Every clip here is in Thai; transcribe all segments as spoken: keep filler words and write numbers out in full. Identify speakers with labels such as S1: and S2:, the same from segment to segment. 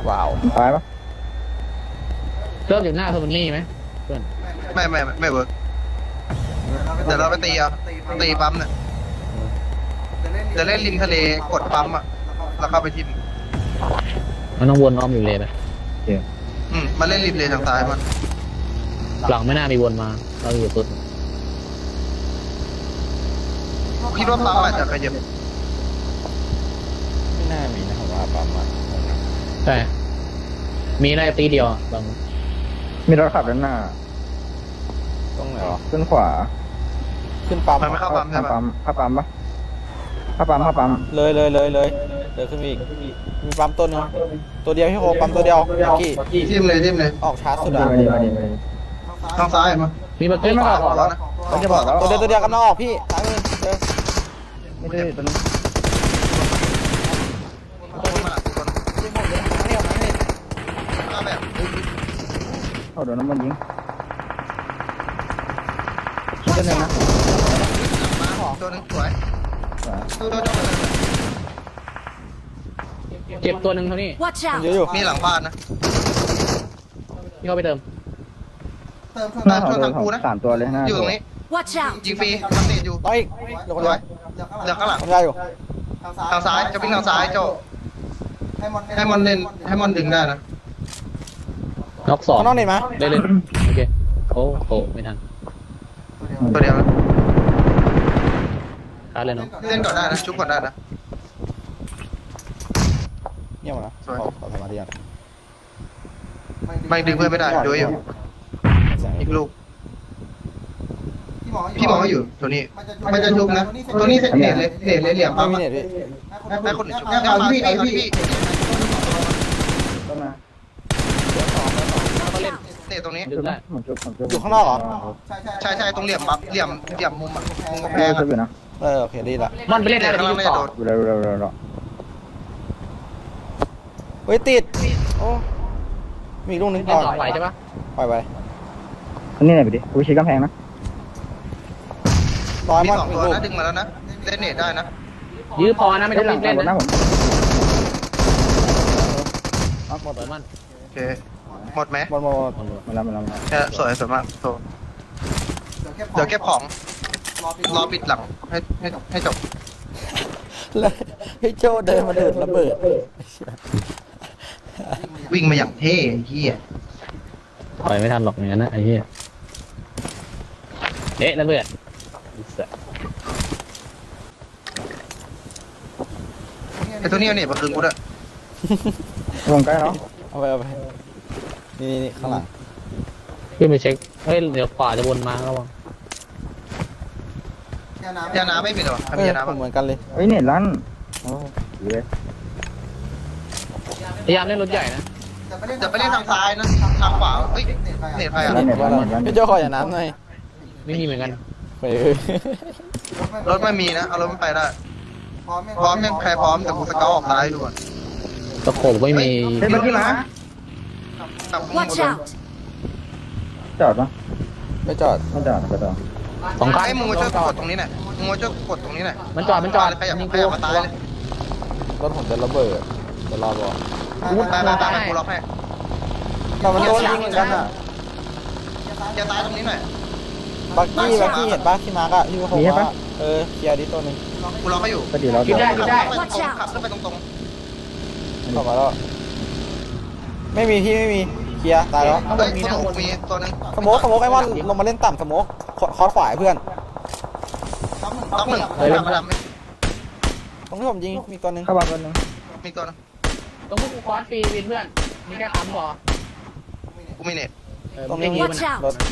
S1: ว้าว
S2: ตายปะ
S3: เริ่มจากหน้าโทนี่ไหมเพื่อน
S4: ไม่ไม่ไม่เวิร์กเดี๋ยวเราไปตีอ่ะตีปั๊มเนี่ยจะเล่นริมทะเลกดปั๊มอ่ะแล้วเข้าไปทิม
S3: มันต้องวนอ้อมอยู่เลยไป
S4: อืมมาเล่นริมเลนทางซ้ายมัน
S3: หลังไม่น่ามีวนมาเราอยู่สุด
S4: คิดว่าปั๊มอาจจะขยับ
S1: ไม่น่ามีนะผมว่าปั๊มอ่ะ
S3: ใช่มีอะไรตีเดียวบาง
S2: มีรถขับด้านหน้า
S1: ตรงไหนวะ
S2: ขึ้นขวา
S1: ขึ้นปั๊ม
S4: มันไม่เข้าปั๊มใช่ปะ
S2: ปั๊มเข้าปั๊มปะเข้าปั๊มเข้าปั๊ม
S1: เลยเลยเลยเลยเดินขึ้นอีกมีปั๊มตัวนึงตัวเดียวพี่โคปั๊มตัวเดียวกี่
S4: ทิมเลยทิมเลย
S1: ออกช้าสุดอ่ะ
S4: ทางซ้ายมั้ย
S3: มีบักเก็ต
S2: ไม่
S3: ขวา
S2: บอกแล้วนะเขาจะบอกแล้ว
S1: ตัวเดียวตัวเดียวกันนอกพี่ซ้ายมือเจอ
S2: ไม่ได้ตัวนี้
S4: คนมาคน
S1: ยิงหมดเลยทั้งเดียวทั้งนี้
S4: มาแบบ
S2: เอาโดนน้ำมันยิงตัวนึงนะ
S4: ตัวนึงสวยตัวตัว
S3: เจ็บตัวหนึ่งเท่านี้
S1: เยอะอยู่
S4: มีหลังบ้านนะ
S3: ที่เขาไปเติม
S2: หน้าของเราสามตัวเลยหน้า
S4: อยู่ตรงนี้ยิงฟรีมันติดอยู่
S1: ต่อยเดี๋ยวก่อน
S4: เดี๋ยวข้างหลัง
S1: ทำได้อยู่
S4: ทางซ้ายจะวิ่งทางซ้ายโจให้มันเล่นให้มันดึงได้นะ
S3: น็อกสอง
S1: น้องเน็ตไหม
S3: เล่นเล่นโอเคโอ้โหไม่ทัน
S4: ตัวเดียวนะ
S3: คัดเลยเนาะ
S4: เล่นก่อนได้นะชุบก่อนได้นะ
S1: เงียบนะขอขอสมาธิก่อน
S4: ไม่ดึงเพื่อนไม่ได้ดูอยู่อีกลูกพี่มองไม่อยู่ตัวนี้มันจะชุบนะตัวนี้เน็ตเลยเน็ตเลยเหลี่ยมปั๊ม
S1: ไม่เน็ตพี่
S4: ให้คนชุบให้เอาพี่เอาพี่
S2: ก็มา
S4: เน็ตตรงนี้
S3: ดึงได้
S2: ผมจุบผมจุบ
S1: อยู่ข้างนอกเหรอ
S4: ใช่ใช่ตรงเหลี่ยมปั๊มเหลี่ยมเหลี่ยมมุมอ่ะมุมกำแพ
S2: แพ้
S4: ง
S2: จุบอยู่นะ
S1: เออโอเคดีละ
S3: มันไปเล่นอะไรที่ต่อ
S2: ดูเร็วเร็วเร็วเร็ว
S1: เฮ้ยติดโอ้มีลูกนึง
S3: เล่นต่อไปใช่ปะ
S1: ปล่อยไป
S2: อันนี้ไหนไปดิกูชี้กำแพงนะ
S1: ร้อย
S4: มี
S1: มัน
S4: สอง
S1: อีก
S4: ตัว
S1: ลูก
S4: นะดึงมาแล้วนะเล่นเน็ตได้นะ
S3: ยื้อพอนะไม่ต้องรีบเล่น
S2: หน้า
S3: นะ
S2: ผม
S3: เอาหมดเลยมัน
S4: โอเคหมดไหม
S1: หมดหมด
S2: มาแล้วมาแล้วมาแล้ว
S4: แค่สวยสวยมากโตเดี๋ยวเก็บของรอปิดหลังให้ให้ให้จบ
S1: แล้วให้โจเดินมาเดินระเบิด
S4: วิ่งมาอย่างเท่เฮีย
S3: ปล่อยไม่ทันหรอกอย่างนั้นนะไอ้เหี้ยเอ๊ะนั่นเพื่อน
S4: ไอ้ตัวนี้เนี่ยมาคืนกูด้วย
S2: วงใกล้แล้ว
S1: เอาไปเอาไปนี่นี่ข้างหลัง
S3: ขึ้นไปเช็คเฮ้ยเดี๋ยวขวาจะวนมาระวัง
S4: ยาน้ำไม่มีหรอทำยาน้ำ
S1: เหมือนกันเลย
S2: เฮ้ยเน็ตลั่นโอ้ดีเลย
S3: พยายามเล่นรถใหญ่นะ
S4: จะไปเล่นทางซ้ายนะทางขวาเฮ้ยเน็ตใครอ่ะ
S2: เน็ตลั่นเน็ตลั่น
S1: พี่โจขออย่าน้ำหน่อย
S3: ไม่มีเหมือนกัน
S1: ไป
S4: รถไม่มีนะเอารถไม่ไปได้พร้อมยังใครพร้อมแต่กูสเกลออกซ้ายดูก่อน
S3: ตะโขบไม่มี
S2: เฮ้ยเมื่อกี้มา
S4: ตับมึงหมดเลย
S2: จอดปะ
S1: ไม่จอด
S2: ไม่จอดไม่จอด
S3: สองคัน
S4: ไอ้มึงมาช่วยกดตรงนี้หน่อยมึงมาช่วยกดตรงนี้หน่อย
S3: มันจอดมันจอด
S4: ขยับ
S3: ยิง
S4: ข
S3: กู
S4: ยับมาตายเลย
S1: รถผมจะระเบิดจะรอบอก
S3: กู
S4: ตาย
S3: ตา
S4: ตาย
S3: ย
S4: ตายกูล็อกให้
S1: แต่มันโดนยิงเหมือนกันอ่ะ
S4: อย่าตายตรงนี้หน่อย
S1: บักกี้บักกี้เห็นปะที่มาร์กอะที่เขาบอกว่าเออเคลียร์ดิตัวนึง
S4: กูล็อกให้อยู่
S2: ก็ดีเรา
S3: กินได้กินได้
S4: ขับขึ้นไปตรง
S1: เข้ามาแล้วไม่มีพี่ไม่มีเคลียร์ตายแล้ว
S4: ๆเฮ้ยสมุกมีตัวนึง
S1: สโมกสโมกไอ้มอนลงมาเล่นต่ำสโมกคอร์สขวาเพื่อน
S4: ต้องหนึ่งมาดำ
S1: ตรงที่ผมยิงมีตัวนึง
S2: เข้าบ้านคนนึง
S4: มีตัวนึง
S3: ตรงพวกกูคอร์สฟรีวินเพื่อนมีแค่คำพอ
S4: กูมีเน็ต
S1: ตรงนี้มีรถ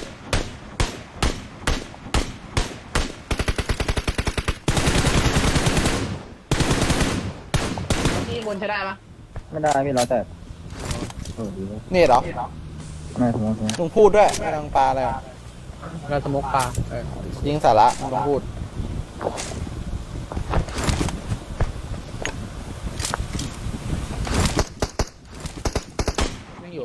S3: ที่บนใช้ได้ปะ
S2: ไม่ได้พี่เราแต่โอ้ดี
S1: นี่เหรอ
S2: ไม่สมมติ
S1: ลุงพูดด้วยไม่ต้องปลาอะไร
S3: เราสมกปลา
S1: ยิงสาระลุงพูด
S3: ไม่อยู่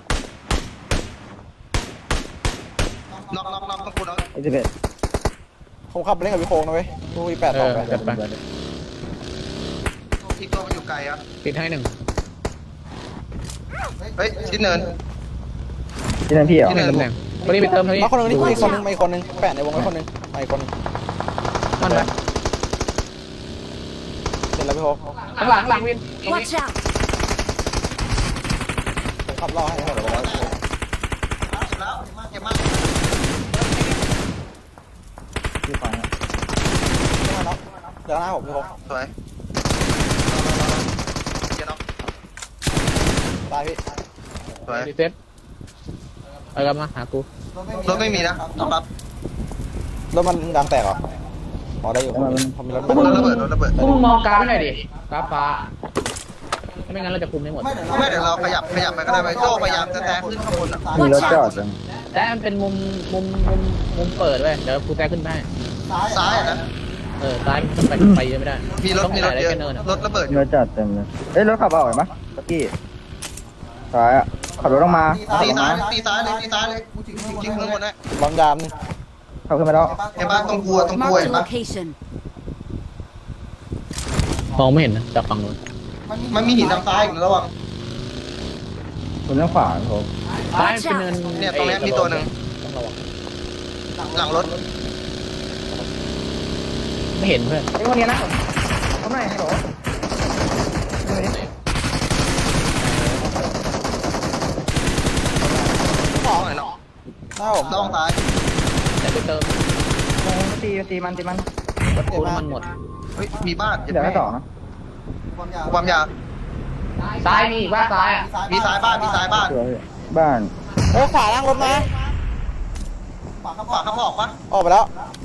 S4: น็อกน็อกน็อกต้องกูน็อก
S2: ไอ้สิบเอ็ด
S1: ผมขับไปเล่นกับพี่โค้งนะเว้ยลูกอีแปดสองไป
S3: จัดไป
S4: อีกตัวมันอยู่ไกลอ่ะ
S3: ปิดให้หนึ่ง
S4: เฮ้ยชิ้นเนิน
S2: ที่นั่นพี่เหรอ
S4: ที่ไหน
S3: ตำแหน่งคนนี้ไปเติมเท่านี้
S1: มาคนหนึงนี่อีกคนหนึงมาอีกคนหนึงแปะในวงไว้คนหนึงมาอีกคนหนึง
S3: มันไป
S1: เสร็จแล้วพี่โฮ
S3: ข้างหลังหลังวินตรงนี้
S5: Watch out!
S1: ผมขับล่อให้ให้หมดเลยแล้ว
S4: เจ็บแล้วเจ็บมาก
S2: พี่ฟังนะ
S1: เนาะเดี๋ยวหน้าผมพี่โฮ
S4: สวยเจ็บเนาะ
S1: ตายพี่
S4: สวย
S3: รีเซ็ตเอากลับมาหากู
S4: รถไม่มีนะต้องรับ
S1: รถมันยางแตกเหรออ๋อได้อยู่ผมมีรถ
S4: รถระเบิดรถระเบิด
S3: พวกมึงมองกราฟให้หน่อยดิกราฟฟ้าไม่งั้นเราจะคุมไม่หมด
S4: ไม่เดี๋ยวเราขยับขยับไปก็ได้ไปโจ้พยายามจะแตะขึ้นข้างบนอ่ะ
S2: มีรถจอดจัง
S3: แต่มันเป็นมุมมุมมุมมุมเปิดเว้ยเดี๋ยวกูแทรกขึ้นไปให้
S4: ซ้ายอ่ะนะ
S3: เออซ้ายมันไปไปเยอะไม่ได้
S4: มีรถมีรถเยอะ
S3: แค่เนินอะ
S4: รถระเบิด
S2: มีรถจอดเต็มเลยเอ้ยรถขับเอาไหวปะตะกี้ซ้ายอ่ะขับรถลงมา
S4: ตีซ้ายตีซ้ายเลยตีซ้ายเลยจริงๆข้างบนนะ
S1: บอมยามนี่
S2: ขับขึ้นมาแล้ว
S4: เห็นปะตรงกลัวตรงกลัว
S5: Marked
S4: เห็
S5: a
S4: นปะ
S5: location.
S3: มองไม่เห็นนะจากฝั่งนู้น
S4: มันมีหินทางซ้ายอยู่ระวัง
S2: คุณเรื่องขวาครับผม
S3: ซ้ายมันเป็นเนิน
S4: เนี่ยตรงเนี้ยมีตัวหนึ่ง
S3: ต้องระวัง
S4: หลังรถ
S3: ไม่เห็นเพื่อน
S2: ไอ้คนนี้นะเขาไหนฮัลโหล
S4: สองหน่อยเนาะ
S1: หน้าผม
S4: ระวังซ้าย
S3: แต่ไปเติม
S2: ตีตีมันตีมัน
S1: รถเจ็บ
S3: กู
S1: มาก
S3: น้ำมันหมด
S4: เฮ้ยมีบ้าน
S2: เดี๋ยวให้ต่อนะ
S4: ความยาว
S3: ซ้ายมีอีกว่าซ้ายอ่ะ
S4: มีซ้ายบ้านมีซ้ายบ้าน
S2: เดี๋ยวบ้าน
S1: เอ้ยขวาล่างรถมา
S4: ขวาขวาเขาออกปะ
S1: ออกไปแล้ว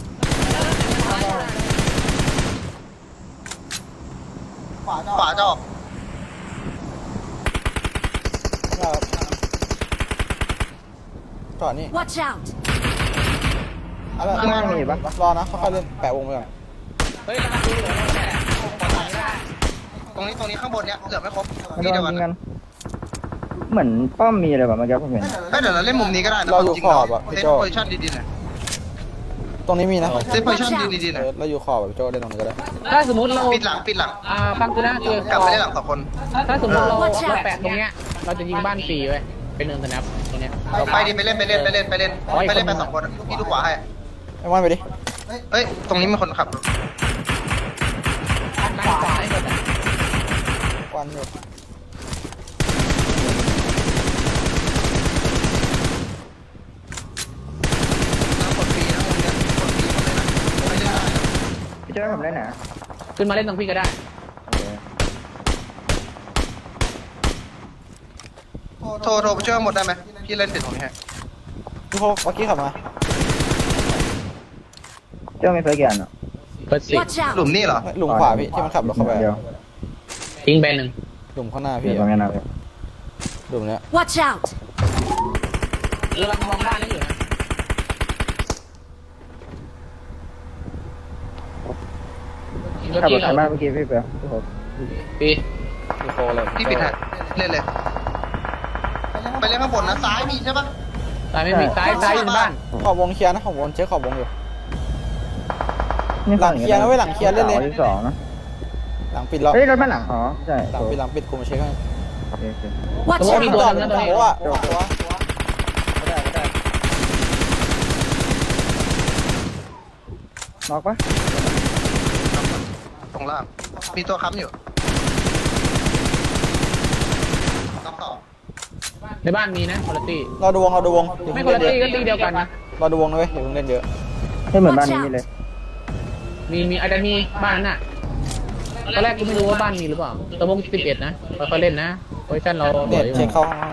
S4: ขวาจะออก
S1: จอดนี่
S5: Watch out!
S1: อะไร
S2: ข้างล่างมีปะ
S1: รอนะค่อยๆเล่นแปะวงไปก่อน
S3: เฮ้ยดูเหลือแค่
S4: ตรงนี้ตรงนี้ข้างบนเนี้ยเหลือไม่ครบ
S2: มัน
S4: ที่
S2: โด
S4: เดียวน กั
S2: ยิ
S4: น
S2: งกัน เหมือนป้อมมีอะไรแบบเมื่อกี้ผมเห็น
S4: เฮ้ยเดี๋ยวเราเล่นมุมนี้ก็ได้นะ
S1: เราอยู่
S4: จริง
S1: ข
S4: ๆ
S1: อบอะ
S4: เซ
S1: พี่
S4: ต
S1: โจ
S4: โพซิชั่นดีๆหน่อย
S1: ตรงนี้มีนะ
S4: เซตโพซิชั่นดีๆห
S1: เอ
S4: น่อย
S1: อเราอยู่ขอบแบบพี่โจเล่นตรงนี้ก็ได้
S3: ถ้าสมมติเรา
S4: ปิดหลังปิดหลัง
S3: อ่าฟังกูนะคือก
S4: ลับไปได้หลังสองคน
S3: ถ้าสมมติเราเราแปะตรงเนี้ยเราจะยิงบ้านฟรีเว้ยเป็นเนินสแนปตรงเนี้ย
S4: เราไปดิไปเล่นไปเล่นไปเล่นไปเล่นไปเล่นไปสองคนพี่ดูขวาให้
S1: ไอ้วันไปดิ
S4: เฮ้ยตรงนี้มีคนขับ
S3: ด้านขวาให้หมดอะ
S1: วันอยู่
S4: น้ำกดฟรีนะคนเนี้ยกดฟรีหมดเลยนะไม่เล่นได้นะ
S2: พี่จะให้ผมได้ไหน
S3: ขึ้นมาเล่นตรงพี่ก็ได้
S4: โทรโทรไปช่วยหมดได้ไหมพี่เล่นติดตรงนี้ให้
S1: พี่โฮเมื่อกี้ขับมา
S2: เจ้ามีไฟกี่อันอ่ะ
S3: เปิดสิ
S5: Watch
S4: หลุ
S5: out!
S4: มนี่เหรอ
S1: หลุมขวาพี่ที่มันขับรถเข้าไป
S2: เดี๋ยว
S3: ทิ้งแบนหนึ่ง
S1: หลุมข้างหน้า
S2: เดี๋
S1: พี่
S2: ยวตรงนี้นะ
S1: หลุมเนี้ย
S5: Watch out!
S3: กำลังมองบ้านนี่อยู่นะ
S2: ขับรถทางบ้านเมื่อกี้พี่เปียวพี่ผม
S3: ปี
S1: พี่โฮเลย
S4: พี่ปิดให้เล่นเลย ไปเล่นข้างบนนะซ้ายมีใช่ปะ
S3: ซ้ายไม่มีซ้ายซ้ายอยู่ในบ้าน
S1: ขอบวงเคลียร์นะขอบวงเช็คขอบวงอยู่
S2: นี่
S1: หลังเคลียร์นะเว้ยหลังเคลียร์เล่นเลย
S2: ที่สองนะ
S1: หลังปิดแล้ว
S2: เฮ้ยรถบ้านหลังอ๋อใช่
S1: หลังปิดหลังปิดกูมาเช็คให้
S2: โอเคโอเค
S5: Watch
S3: ตัวมี
S5: out!
S3: ตัว
S1: จอด
S3: นึง
S1: เป็น
S3: นะตัว
S1: โอ้
S3: นี้
S1: อะตัว
S2: น็อกปะ
S4: ตรงล่างมีตัวค้ำอยู่ต้องต่อ
S3: ในบ้านมีนะคุณภาพ
S1: เราดูวงเราดูวง
S3: ไม่คุณภาพก็ตีเดียวกันนะ
S1: เราดูวงนะเว้ยอย่าเพิ่งเล่นเยอะ
S2: ให้เหมือนบ้านนี้เลย
S3: มีมีอาจจะมีบ้านนั้นน่ะตอนแรกกูไม่รู้ว่าบ้านมีหรือเปล่าตะมงสิบเอ็ดนะค่อยๆเล่นนะโพซิชั่นเรา
S1: เน็ตเช็คเข้าห้องใน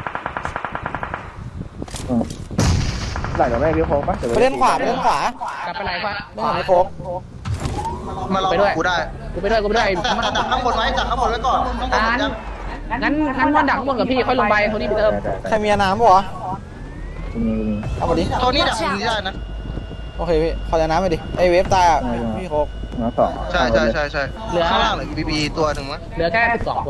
S2: หลังจากแม่พี่โค้งปะ
S1: ไปเล่นขวาไปเล่นขวาก
S3: ลับไปไหนขวา
S1: เล่นขวาไม่โค้ง
S4: มารอกับกูได้
S3: กูไปด้วยกูไปด้วย
S4: แต่แต่ดักข้างบนไว้ดักข้างบนไว้ก่อนข้างบน
S3: งั้น
S4: ยัง
S3: งั้นงั้นมันดักข้างบนกับพี่ค่อยลงไปโทนี่ไปเติม
S1: ใครมีน้ำปะวะ
S2: กูมีกูมี
S1: เอามาดิ
S4: ตัวนี้ดักมุมนี้ได้นะ
S1: โอเคพี่ขอจะน้ำไปดิไอเวฟตายอ่ะพี่โค้ง
S2: หัวสอง
S4: ใช่ใช่ใช่ใช่ข้างล่างเหลือบีบีตัวหนึ่งมั้ง
S3: เหลือแค่สิบสองคน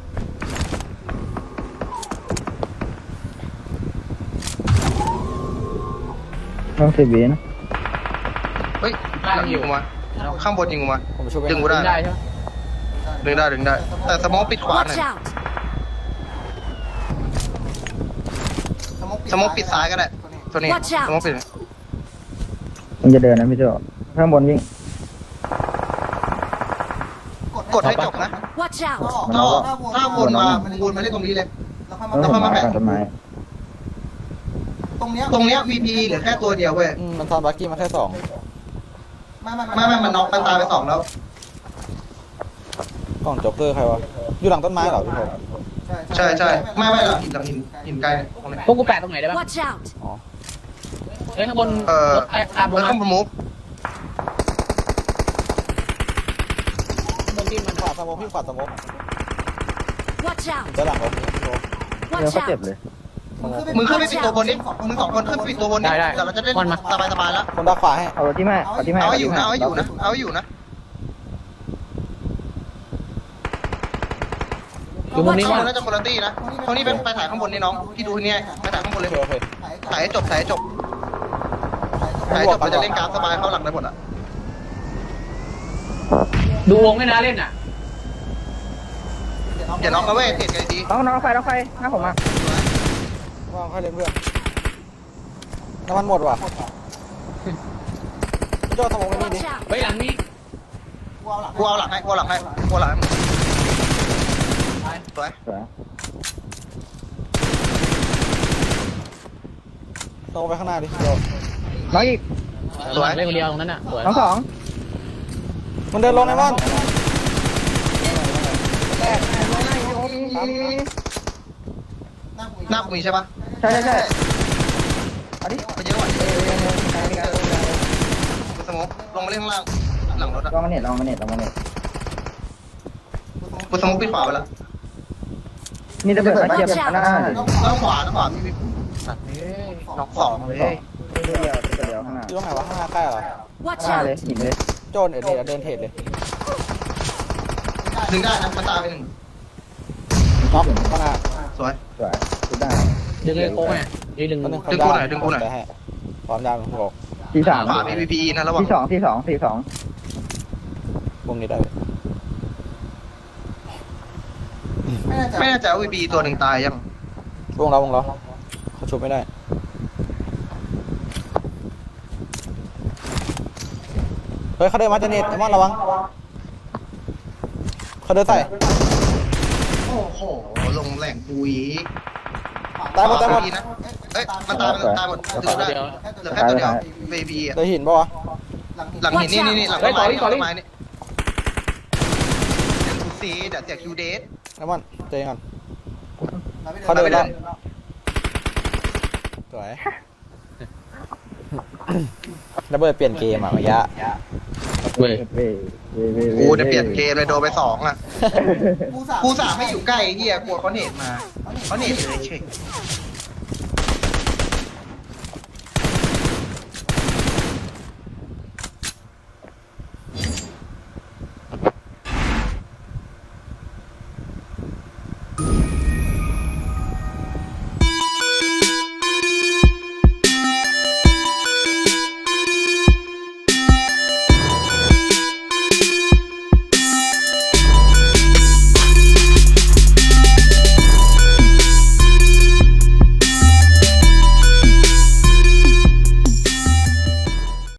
S2: ต้องสิบวินะ
S4: เฮ้ยหลังยิงกูมาข้างบนยิงกูมา
S1: ผมช่วย
S4: ดึงกู
S1: ไป
S4: ได้
S3: ได้ใช่ไหม
S4: ดึงได้ดึงได้ แต่สมองปิดขวาหน่อย
S5: Watch out!
S4: สมมติปิดซ้ายก็ได้ตัวนี้
S5: Watch out
S4: สมมติปิด
S2: มันจะเดินนะพี่โจข้างบนวิ่ง
S4: กดให้จบนะ
S5: Watch out!
S4: ถ้าถ้าวนมาวนมาได้ตรงนี้เลย
S2: แล้วผมมาก่อนต้นไม้
S4: ตรงเนี้ย วี พี เหลือแค่ตัวเดียวเว้ย
S1: อืมมันทอนบักกี้มาแค่สอง
S4: ไม่ไม่มันน็อกมันตายไปสองแล้ว
S1: กล่องโจ๊กเกอร์ใครวะอยู่หลังต้นไม้เหรอพี่ผม
S4: ใช่ใช่ไม่ไม่หลังหินหลังหินหินไกลเนี่ยตรงนี้
S3: พวกกูแปะตรงไหนได้บ้าง
S5: Watch out!
S1: อ๋อ
S3: เอ้ยข้างบน
S4: เออ
S3: รถไอ้อาบ
S4: แล้ว
S3: มา
S4: ข้างบนมุก
S3: บนที่มัน
S1: ขวาสมองพี่ขวาสมอง
S5: Watch out!
S1: จะหลังรถพี่ผม
S2: เดี๋ยว
S5: Watch
S2: เขาเจ็บ
S5: out!
S2: เลย
S4: มึงขึ้นไปปิดตัวบนนี้มึงสองคนขึ้นไปปิดตัวบนนี้เดี๋ยวเราจะได้สบายสบายแล้ว
S1: คนดักขวาให้
S2: เอาที่แม่เอาที่แม่
S4: เอาให้อยู่นะเอาให้อยู่นะเอาให้อยู่นะ
S3: อยู่มุมนี้
S4: ข้างบ
S3: ว่าน
S4: น่าจะคนละตี้นะตรงนี้เป็นไปถ่ายข้างบนนี่น้องพี่ดูที่นี่ไปถ่ายข้างบนเลย
S1: โอเค
S4: ถ่ายให้จบถ่ายให้จบถ่ายให้จบเราจะเล่นกราฟสบายเข้าหลังได้หมดอ่ะ
S3: ดูวงไม่น่าเล่นอ่ะ
S4: อย่าน็อกนะเว้ยเทรดกันดี
S2: น้องน้องไฟน้องไฟหน้าผมมา
S1: ว่างค่อยเล่นเพื่อนน้ำมันหมดว่ะพี่โจ้สมองไปนี่ดิ
S5: Watch out!
S3: ไว้หลังนี้
S4: กูเอาหลังให้กูเอาหลังให้กูเอาหลังให้มึงสวย
S2: สวย
S1: ตรงไปข้างหน้าดิโจ้
S2: น้องอีก
S3: สวยเล่นคนเดียวตรงนั้นอ่ะสวย
S2: น้องสอง
S1: มันเดินลงไอ้มัน
S4: หน้ากูมีใช่ปะ
S2: ใช่ใช่ใช่เอาดิ
S4: ไปเยอะกว่ากูสมมติลงมาเล่นข้างล่างหลังรถอะ
S2: ลองมาเน็ตลองมาเน็ตลองมาเน็ต
S4: กูสมมติปิดขวาไปละ
S2: มีระเบิดมาเทียบหน้า
S4: ต้องขวาต้องขวาพี่สัตว์น็อกสองเลย
S2: เดียวตัวเดียวข้างหน้า
S1: อยู่ตรงไหนวะข้างหน้าใกล้เหรอ
S5: Watch
S2: ข้างหน้าเลย
S5: out!
S2: หินเลย
S1: โจ้เดี๋ยวเดี๋ยวเดินเทรดเลย
S4: ดึงได้นะมันตายไปหนึ่ง
S1: น็อกข้างหน้า
S4: สวย
S2: สวยสุดได้
S3: ดึงไอ้โค้งไงดึงดึง
S1: คนหนึ่ง
S4: ดึงกูหน่อยดึงกูหน่อย
S1: ได้ให้ความยาวของบอก
S2: ที่สาม
S4: ขวามี พี พี นะระวัง
S2: ที่สองที่สองที่สอง
S1: วงนี้ได้
S4: ไม่แน่ใจว่า วี พี ตัวหนึ่งตายยัง
S1: วงเราวงเราเขาชุบไม่ได้เฮ้ยเขาเดินมาจะเน็ตไอ้มอนระวังเขาเดินใส่
S4: โอ้โหลงแหล่งกูอีก
S1: ตายหมดตายหมด
S4: นะเอ้ยมันตายมันตายหมดดูได้เหลือแค่ตัวเดียว วี พี อ่ะ
S1: เดินหินปะวะ
S4: หลังหินนี่นี่นี่หลังต้นไม้นี่หลังต้นไม้นี่คูซีเดี๋ยวเสียคิวเดส
S1: ไอ้มอนเจอกันเขาเดินแล้วสวยระเบิดเปลี่ยนเกมอ่ะเมื่อกี้
S3: เว้ย
S2: เว้ยเว้ยเว้ย
S4: กูจะเปลี่ยนเกมเลยโดนไปสองอ่ะกูสามไม่อยู่ใกล้เฮียกลัวเขาเน็ตมาเขาเน็ตเลยเฉย